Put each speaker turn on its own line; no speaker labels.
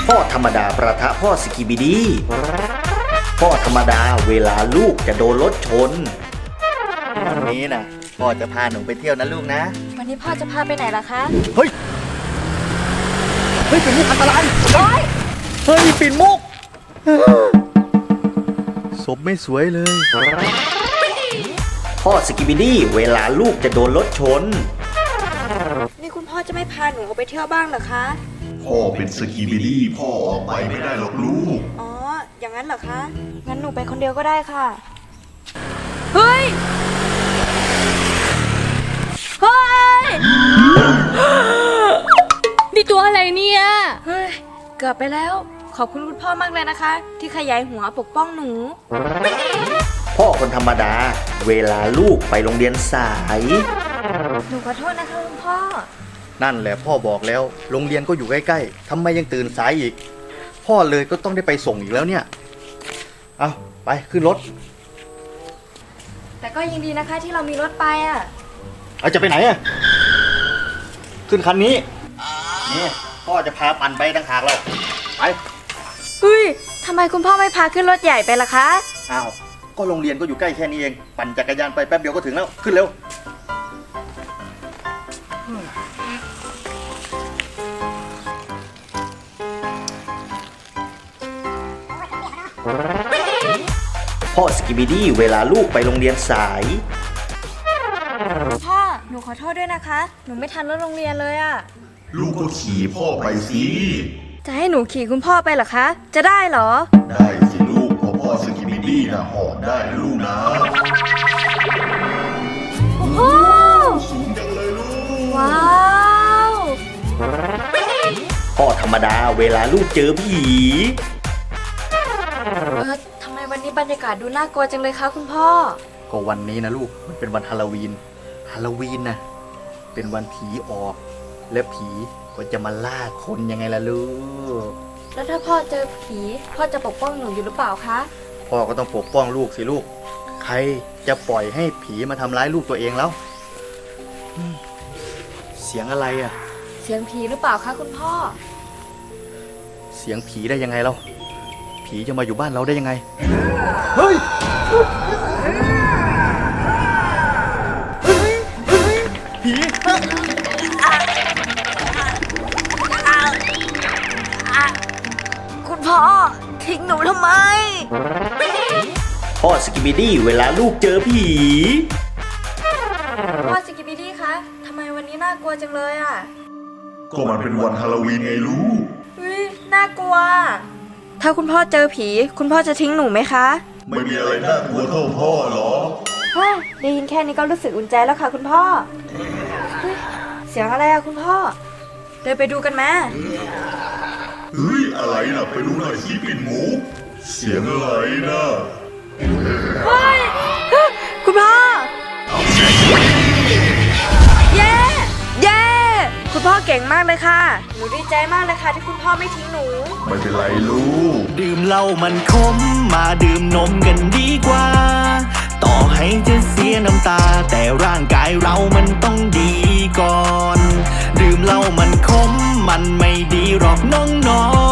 พ่อธรรมดาประทะพ่อสกิบิดีพ่อธรรมดาเวลาลูกจะโดนรถชนวันนี้นะพ่อจะพาหนูไปเที่ยวนะลูกนะ
วันนี้พ่อจะพาไปไหนล่ะคะ
เฮ้ยเป็นมุกอันตราย
โอ๊ย
เฮ้ยปิ่นมุกศพไม่สวยเลย พ่อสกิบิดี้เวลาลูกจะโดนรถชน
นี่คุณพ่อจะไม่พาหนูออกไปเที่ยวบ้างเหรอคะ
พ่อเป็นสกีบิดี้พ่อออกไปไม่ได้หรอกลูก
อ๋อ อย่างนั้นเหรอคะ งั้นหนูไปคนเดียวก็ได้ค่ะ เฮ้ย เฮ้ย
นี่ตัวอะไรเนี่ย
เฮ้ย เกือบไปแล้ว ขอบคุณคุณพ่อมากเลยนะคะ ที่ขยายหัวปกป้องหนู
พ่อคนธรรมดา เวลาลูกไปโรงเรียนสาย
หนูขอโทษนะคะคุณพ่อ
นั่นแหละพ่อบอกแล้วโรงเรียนก็อยู่ใกล้ๆทำไมยังตื่นสายอีก พ่อเลยก็ต้องได้ไปส่งอีกแล้วเนี่ยเอาไปขึ้นรถ
แต่ก็ยังดีนะคะที่เรามีรถไปอ่ะ
เอาจะไปไหนอะขึ้นคันนี้นี่พ่อจะพาปั่นไปต่างหากแล้วไป
เฮ้ย ทำไมคุณพ่อไม่พาขึ้นรถใหญ่ไปล่ะคะ
อ้าวก็โรงเรียนก็อยู่ใกล้แค่นี้เองปั่นจักรยานไปแป๊บเดียวก็ถึงแล้วขึ้นเร็วพ่อสกิบิดี้เวลาลูกไปโรงเรียนสาย
พ่อ หนูขอโทษด้วยนะคะ หนูไม่ทันรถโรงเรียนเลยอะ
ลูกก็ขี่พ่อไปสิ
จะให้หนูขี่คุณพ่อไปเหรอคะ จะได้เหรอ
ได้สิลูกเพราะพ่อสกีบิดี้นะหอบได้นะลูกนะ
โอ้โห
สูงจังเลยลูก
ว้าว
พ่อธรรมดาเวลาลูกเจอผี
ทำไมวันนี้บรรยากาศดูน่ากลัวจังเลยคะคุณพ่อ
ก็วันนี้นะลูกมันเป็นวันฮาโลวีนนะเป็นวันผีออก และผีก็จะมาล่าคนยังไงล่ะลูก
แล้วถ้าพ่อเจอผี พ่อจะปกป้องหนูอยู่หรือเปล่าคะ
พ่อก็ต้องปกป้องลูกสิลูก ใครจะปล่อยให้ผีมาทำร้ายลูกตัวเองแล้วเสียงอะไรอ่ะ
เสียงผีหรือเปล่าคะคุณพ่อ
เสียงผีได้ยังไงเราผีจะมาอยู่บ้านเราได้ยังไงเฮ้ยผี
คุณพ่อ ทิ้งหนูทำไม
พ่อสกิบิดี้เวลาลูกเจอผี
พ่อสกิปปี้ดี้คะทำไมวันนี้น่ากลัวจังเลยอ่ะ
ก็มันเป็นวันฮาโลวีนไงลูก
เฮ้ย น่ากลัว ถ้าคุณพ่อเจอผี คุณพ่อจะทิ้งหนูไหมคะ
ไม่มีอะไรน่ากลัวเท่าพ่อหรอก
เฮ้ยได้ยินแค่นี้ก็รู้สึกอุ่นใจแล้วค่ะคุณพ่อเฮ้ยเสียงอะไรอะคุณพ่อ เดินไปดูกันไหม
เฮ้ยอะไรนะไปดูหน่อยสิปิ่นหมูเสียงอะไรนะ
เฮ้ยคุณพ่อ เย้ เย้ คุณพ่อเก่งมากเลยค่ะ หนูดีใจมากเลยค่ะที่คุณพ่อไม่ทิ้งหนู
ไม่เป็นไรลูก
ดื่มเหล้ามันขมมาดื่มนมกันดีกว่า ต่อให้จะเสียน้ำตา แต่ร่างกายเรามันต้องดีก่อน ดื่มเหล้ามันขมมันไม่ดีหรอกน้อง